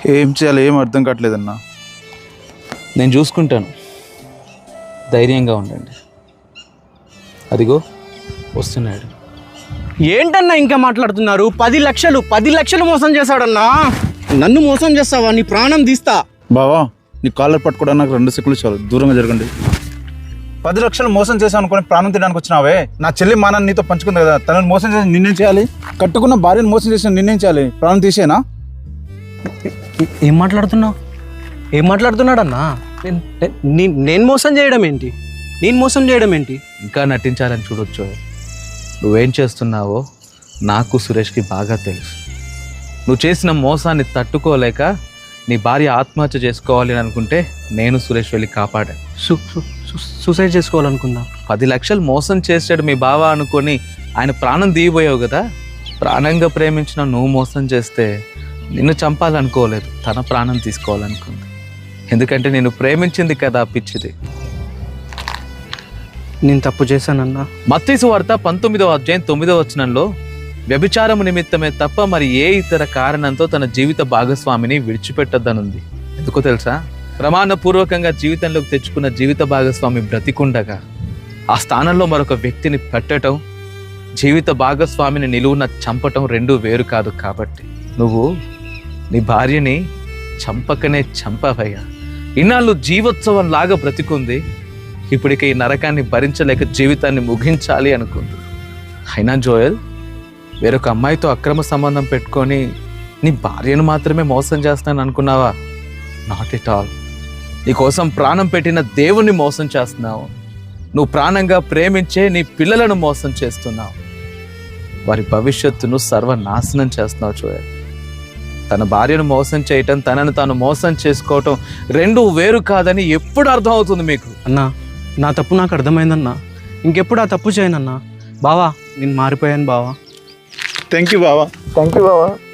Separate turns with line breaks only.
ఏం చేయాలి ఏం అర్థం కావట్లేదన్నా.
నేను చూసుకుంటాను, ధైర్యంగా ఉండండి. అదిగో వస్తున్నాడు.
ఏంటన్నా ఇంకా మాట్లాడుతున్నారు? 10 లక్షలు మోసం చేశాడన్నా. నన్ను మోసం చేస్తావా? నీ ప్రాణం తీస్తా.
బావా నీ కాలర్ పట్టుకోవడానికి నాకు 2 సెకండ్లు చాలు, దూరంగా జరగండి. 10 లక్షలు మోసం చేశాను అనుకుని ప్రాణం తినడానికి వచ్చినావే. నా చెల్లి మానాన్ని నీతో పంచుకుంది కదా, తనని మోసం చేసి నిన్నేం చేయాలి? కట్టుకున్న భార్యను మోసం చేసిన నిన్నేం చేయాలి? ప్రాణం తీసేనా?
ఏం మాట్లాడుతున్నాడన్నా? నేను మోసం చేయడం ఏంటి?
ఇంకా నటించాలని చూడొచ్చు. నువ్వేం చేస్తున్నావో నాకు సురేష్కి బాగా తెలుసు. నువ్వు చేసిన మోసాన్ని తట్టుకోలేక నీ భార్య ఆత్మహత్య చేసుకోవాలి అని అనుకుంటే నేను సురేష్ వెళ్ళి కాపాడాను.
సూసైడ్ చేసుకోవాలనుకుందా?
10 లక్షలు మోసం చేసాడు మీ బావ అనుకొని ఆయన ప్రాణం తీయబోయావు కదా. ప్రాణంగా ప్రేమించిన నువ్వు మోసం చేస్తే నిన్ను చంపాలనుకోలేదు, తన ప్రాణం తీసుకోవాలనుకుంది. ఎందుకంటే నేను ప్రేమించింది కదా పిచ్చిది.
నేను తప్పు చేశానన్నా.
మత్తయి సువార్త 19వ అధ్యాయం 9వ వచనంలో వ్యభిచారము నిమిత్తమే తప్ప మరి ఏ ఇతర కారణంతో తన జీవిత భాగస్వామిని విడిచిపెట్టద్దనుంది. ఎందుకో తెలుసా? ప్రమాణపూర్వకంగా జీవితంలోకి తెచ్చుకున్న జీవిత భాగస్వామి బ్రతికుండగా ఆ స్థానంలో మరొక వ్యక్తిని పెట్టడం, జీవిత భాగస్వామిని నిలువున చంపటం 2 వేరు కాదు. కాబట్టి నువ్వు నీ భార్యని చంపకనే చంపవయ్యా. ఇన్నాళ్ళు జీవోత్సవం లాగా బ్రతికుంది, ఇప్పటిక ఈ నరకాన్ని భరించలేక జీవితాన్ని ముగించాలి అనుకుంది. అయినా జోయల్, వేరొక అమ్మాయితో అక్రమ సంబంధం పెట్టుకొని నీ భార్యను మాత్రమే మోసం చేస్తాను అనుకున్నావా? Not at all. నీకోసం ప్రాణం పెట్టిన దేవుణ్ణి మోసం చేస్తున్నావు. నువ్వు ప్రాణంగా ప్రేమించే నీ పిల్లలను మోసం చేస్తున్నావు. వారి భవిష్యత్తును సర్వనాశనం చేస్తున్నావు జోయల్. తన భార్యను మోసం చేయటం, తనను తాను మోసం చేసుకోవటం 2 వేరు కాదని ఎప్పుడు అర్థం అవుతుంది మీకు?
అన్నా, నా తప్పు నాకు అర్థమైందన్నా. ఇంకెప్పుడు ఆ తప్పు చేయనన్నా. బావా, నేను మారిపోయాను బావా.
థ్యాంక్ యూ బావా.